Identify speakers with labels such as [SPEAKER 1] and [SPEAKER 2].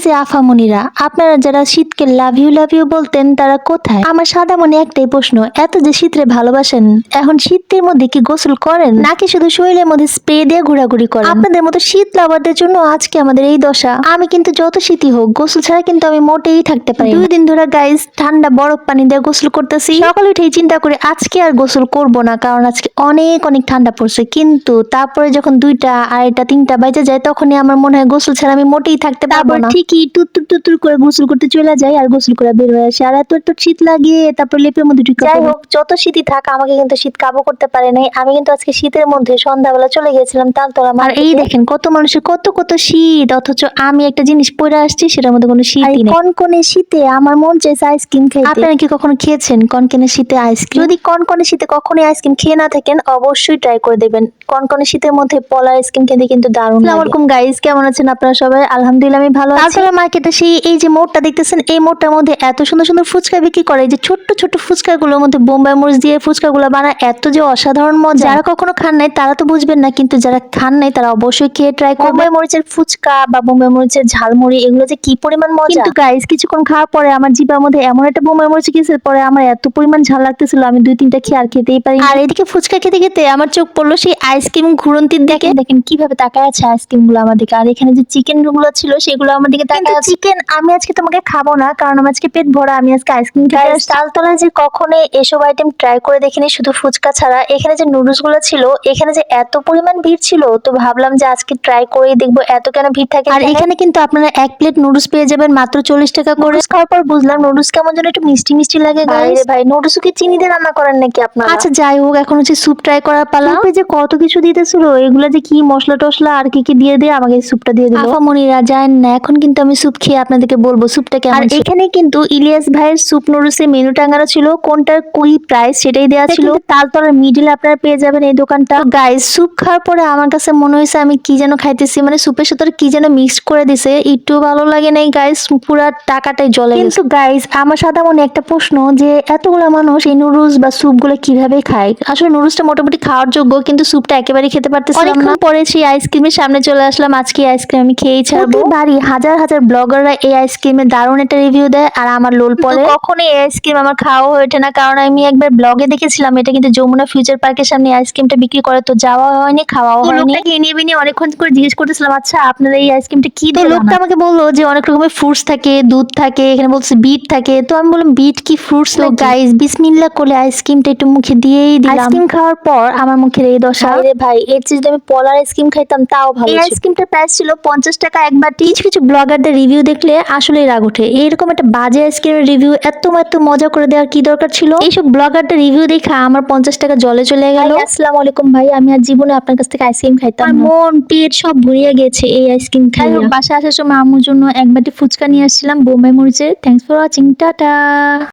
[SPEAKER 1] যে আফামনিরা, আপনারা যারা শীতকে লাভ ইউ বলতেন তারা কোথায়? আমার সাদা মনে একটাই প্রশ্ন, এত যে শীতরে ভালোবাসেন, এখন শীতের মধ্যে কি গোসল করেন নাকি শুধু শরীরের মধ্যে স্প্রে দিয়ে ঘোরাঘুরি করেন? আপনাদের মতো শীত লাভারদের জন্য আজকে আমাদের এই দশা। আমি কিন্তু যত শীতই হোক গোসল ছাড়া কিন্তু আমি মোটেই থাকতে পারি। 2 দিন ধরে গাইস ঠান্ডা বরফ পানি দিয়ে গোসল করতেছি। সকালে উঠেই চিন্তা করি আজকে আর গোসল করব না, কারণ আজকে অনেক অনেক ঠান্ডা পড়ছে। কিন্তু তারপরে যখন 2টা 2:30 3টা বাজে যায় তখনই আমার মনে হয় গোসল ছাড়া আমি মোটেই থাকতে পারবো না। ঠিকই টুতুর করে গোসল করতে চলে যাই আর গোসল করে বের হয়ে আসি, আর এত শীত লাগে তারপর লেপের মধ্যে ঢুকে। যাই হোক, যত শীতই থাক আমাকে কিন্তু শীত কাবু করতে পারে নাই। আমি কিন্তু আজকে শীতের মধ্যে সন্ধ্যাবেলা চলে গিয়েছিলাম তালতলা। আর এই দেখেন কত মানুষের কত কত শীত, অথচ আমি একটা জিনিস পরে আসছি সেটার মধ্যে কোনো শীতই নেই। কনকনে শীতে আমার মন চাইছে আইসক্রিম খাইতে। আপনারা কি কখনো খেয়েছেন কনকনে শীতে আইসক্রিম? যদি কনকনে শীতে কখনোই আইসক্রিম খেয়ে না থাকেন অবশ্যই ট্রাই করে দেখবেন। কনকনে শীতের মধ্যে পলা আইসক্রিম খেতে কিন্তু দারুণ লাগে। আসসালামু আলাইকুম গাইস, কেমন আছেন আপনারা সবাই? আলহামদুলিল্লাহ আমি ভালো আছি। তালতলা মার্কেটে এই যে মোড়টা দেখতেছেন, এই মোড়টার মধ্যে এত সুন্দর সুন্দর ফুচকা বিক্রি করে। এই যে ছোট্ট ছোট্ট ফুচকাগুলোর মধ্যে বোম্বাই মরিচ দিয়ে ফুচকাগুলো বানায়, এত যে অসাধারণ মজা। যারা কখনো খান নাই তারা তো বুঝবেন না, কিন্তু যারা খান নাই তারা অবশ্যই খেয়ে ট্রাই করবেন। বোম্বাই মরিচের ফুচকা বা বোম্বাই মরিচের ঝালমুড়ি এগুলো যে কি পরিমাণ মজা। কিন্তু গাইস কিছুক্ষণ খাওয়ার পরে আমার জিভার মধ্যে এমন একটা বোম্বাই মরিচ গেছে, পরে আমার এত পরিমাণ ঝাল লাগতেছিল আমি 2-3টা খেয়ে আর খেতেই পারি। আর এদিকে ফুচকা খেতে খেতে আমার চোখ পড়লো সেই আইসক্রিম ঘুরন্তির দিকে। দেখেন কিভাবে তাকায় আছে আইসক্রিম গুলো আমার দিকে, আর এখানে যে চিকেন গুলো ছিল সেগুলো আমার দিকে তাকায় আছে। চিকেন আমি আজকে তোমাকে খাবো না, কারণ আমার আজকে পেট ভরা, আমি আজকে আইসক্রিম খেতে আসছি। তালতলা যে কখনো এসব আইটেম ট্রাই করে দেখিনি, শুধু ফুচকা ছাড়া। এখানে যে নুডলস গুলো ছিল, এখানে যে এত পরিমাণ ভিড় ছিল, তো ভাবলাম যে আজকে ট্রাই করেই দেখবো এত কেন ভিড় থাকে। আর এখানে কিন্তু আপনারা 1 প্লেট নুডলস পেয়ে যাবেন মাত্র 40 টাকা করে। খাওয়ার পর বুঝলাম নুডলস কেমন যেন একটু মিষ্টি মিষ্টি লাগে। গাইস ভাই, নুডলস কি চিনি দিয়ে রান্না করেন নাকি আপনারা? আচ্ছা যাই হোক, এখন হচ্ছে স্যুপ ট্রাই করার পালা। স্যুপে যে কত কিছু দিতেছিল, এগুলা যে কি মশলা টশলা আর কি কি দিয়ে দিয়ে আমাকে স্যুপটা দিয়ে দিল। আফামনিরা জানেন না, এখন কিন্তু আমি স্যুপ খেয়ে আপনাদেরকে বলবো স্যুপটা কেমন। আর এখানে কিন্তু ইলিয়াস ভাইয়ের স্যুপ নুডলসের মেনু টাঙানো ছিল, কোনটার কি প্রাইস সেটাই দেওয়া ছিল। তালতলার মিডিলে আপনারা পেয়ে যাবেন এই দোকানটা। গাইস স্যুপ খাওয়ার পরে আমার কাছে মনে হয়েছে আমি কি যেন খাইতেছি, মানে স্যুপের সাথে কি যেন মিক্স করে দিছে, একটু ভালো লাগে নাই গাইস, পুরা টাকাটাই জ্বলে গেছে। কিন্তু গাইস আমার সাদা মনে একটা প্রশ্ন, যে এতগুলা মানুষ এই নুডলস বা স্যুপ গুলো কিভাবে খায়? আসলে নুডলসটা মোটামুটি খাওয়ার যোগ্য, কিন্তু স্যুপটা একেবারে খেতে পারতেছিলাম না। পরে সেই আইসক্রিমের সামনে চলে আসলাম, আজকে আইসক্রিম আমি খেয়েই ছাড়বো। বাড়ি হাজার হাজার ব্লগাররা এই আইসক্রিমের দারুণ একটা রিভিউ দেয়, আর আমার লোল পরে কখনো এই আইসক্রিম আমার খাওয়া হয়ে ওঠে না, কারণ আমি একবার ব্লগে দেখেছিলাম এটা কিন্তু যমুনা ফিউচার পার্কের সামনে আইসক্রিমটা বিক্রি করে, তো যাওয়া হয়নি খাওয়াও হয়নি। লোকটাকে এনিয়ে বিনিয়ে অনেকক্ষণ করে জিজ্ঞেস করতেছিলাম আচ্ছা আপনারা এই আইসক্রিমটা কি দিয়ে? লোকটা আমাকে বললো যে অনেক রকমের ফ্রুটস থাকে, দুধ থাকে, এখানে বলছে বিট থাকে। তো আমি বললাম বিট কি ফ্রুটস? তো গাইস বিসমিল্লাহ করে আইসক্রিমটা একটু মুখে দিয়েই দিলাম। আইসক্রিম খাওয়ার পর আমার মুখের এই দশা। আরে ভাই, এর চেয়ে যদি আমি পলার আইসক্রিম খাইতাম তাও ভালো। এই আইসক্রিমটার প্রাইস ছিল 50 টাকা এক বাটি। কিছু কিছু ব্লগারদের রিভিউ দেখলে আসলেই রাগ ওঠে, এইরকম একটা বাজে আইসক্রিমের রিভিউ এত মজা করে দেওয়ার কি দরকার ছিল? এইসব ব্লগারদের রিভিউ দেখা আমার 50 টাকা জলে চলে গেল। আসসালামু আলাইকুম ভাই, আমি আর জীবনে আপনার কাছ থেকে আইসক্রিম খাইতাম না। মন পেট সব ভরিয়ে গেছে এই আইসক্রিম খাই। বাসা আসার সময় আম্মুর জন্য এক বাটি ফুচকা নিয়ে আসছিলাম বোম্বাই মরিচের। Thanks for watching, tata.